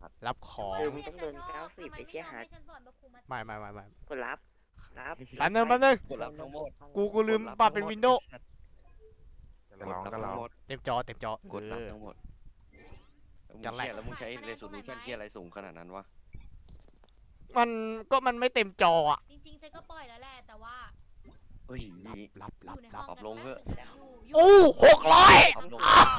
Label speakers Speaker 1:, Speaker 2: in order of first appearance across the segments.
Speaker 1: รับของ
Speaker 2: มึงต้องโดน90ไปเชี่ยฮาร์ด
Speaker 1: ไม่
Speaker 2: กดรับ
Speaker 1: แป๊บนึง
Speaker 3: กดรับทั้งหมด
Speaker 1: กูลืมปรับเป็นวินโดว์
Speaker 4: จะร้องก็ร้อง
Speaker 1: เต็มจอก
Speaker 3: ดรับทั้งหมด
Speaker 1: จะแหลก
Speaker 3: แล้วมึงใช้เรซูลูชันที่อะไรสูงขนาดนั้นวะ
Speaker 1: มันไม่เต็มจออ่ะ
Speaker 5: จริงๆฉันก็ปล่อยแล้วแหละแต่ว่า
Speaker 3: เฮ้ย
Speaker 1: รับ
Speaker 5: อยู่ในห้อง
Speaker 3: ปรับลงเถอะ
Speaker 1: โอ้600
Speaker 3: ปรับลง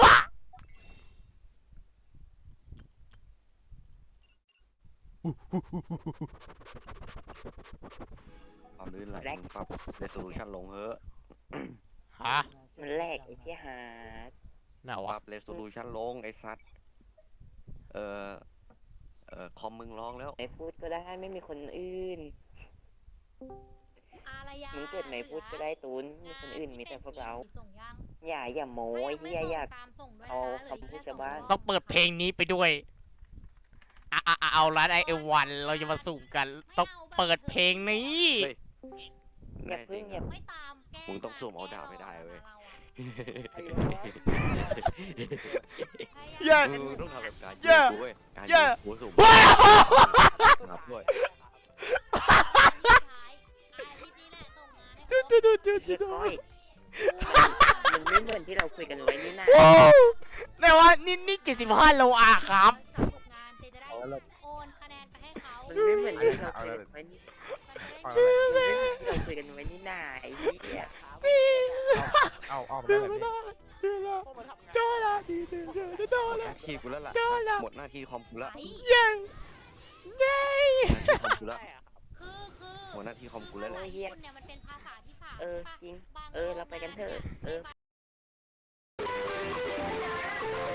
Speaker 3: ความลื่นไหลมึงปรับเรซูลูชันลงเถอะ
Speaker 1: ฮะ
Speaker 2: มันแรกไอ้เชี่ยฮาร์ด
Speaker 1: น่ะ
Speaker 3: ป
Speaker 1: วะ
Speaker 3: รับเรซูลูชันลงไอ้สัตว์คอมมึงร้องแล้ว
Speaker 2: ไม่พูดก็ได้ไม่มีคนอื่น
Speaker 5: อารยา
Speaker 2: มึงเกิดไม่พูดก็ได้ตูนมีคนอื่นมีแต่พวกเรา
Speaker 5: ส่งยัง
Speaker 2: อย่าโม้ไอ้เฮียอย่า
Speaker 5: ตามส่งด้วย
Speaker 2: เอา
Speaker 5: นะ
Speaker 2: คำพูดชาวบ้าน
Speaker 1: ต้องเปิดเพลงนี้ไปด้วยเอาละไอวันเราจะมาสุ่มกันต้องเปิดเพลงนี้
Speaker 3: เฮ้ย
Speaker 2: อย่าเพิ่งอย่า
Speaker 5: ไม่ตามแก้
Speaker 3: มึงต้องสุ่มเอาดาบไม่ได้เว้ย
Speaker 1: อย่า
Speaker 3: มึงต้องทำแบบการ
Speaker 1: อย่า
Speaker 3: กูเว้ยการ
Speaker 1: อย่า
Speaker 3: กูสุ่มนับด้วย
Speaker 2: มันไม่เหมือนที่เราคุยกันไว้นี่นะ
Speaker 1: โอ้แต่ว่านี่75 โลอาครับ
Speaker 5: งานเจจะได้โอนคะแนนไปให้เขา
Speaker 2: มันไม่เหมือนที่เราคุยกันไว้นี่
Speaker 4: เอา
Speaker 2: มันไม่เหมือนที่เราคุยกันไว้นี่นาไอ้เหี้ย
Speaker 4: เอาไปได้แบบนี้
Speaker 1: จอละ
Speaker 3: หมดหน้าที่กูแล้วล่ะหมดหน้าที่คอมกูแล้ว
Speaker 1: ยังไง
Speaker 3: หมดหน้าที่คอมกูแล้ว
Speaker 5: คือ
Speaker 3: หมดหน้าที่คอมกูแล้ว
Speaker 5: ภา
Speaker 3: ล่ะ
Speaker 5: ษาญี่ปุ่นเนี่ยมันเป็นภาษาที่สาม
Speaker 2: จริงเราไปกันเถอะ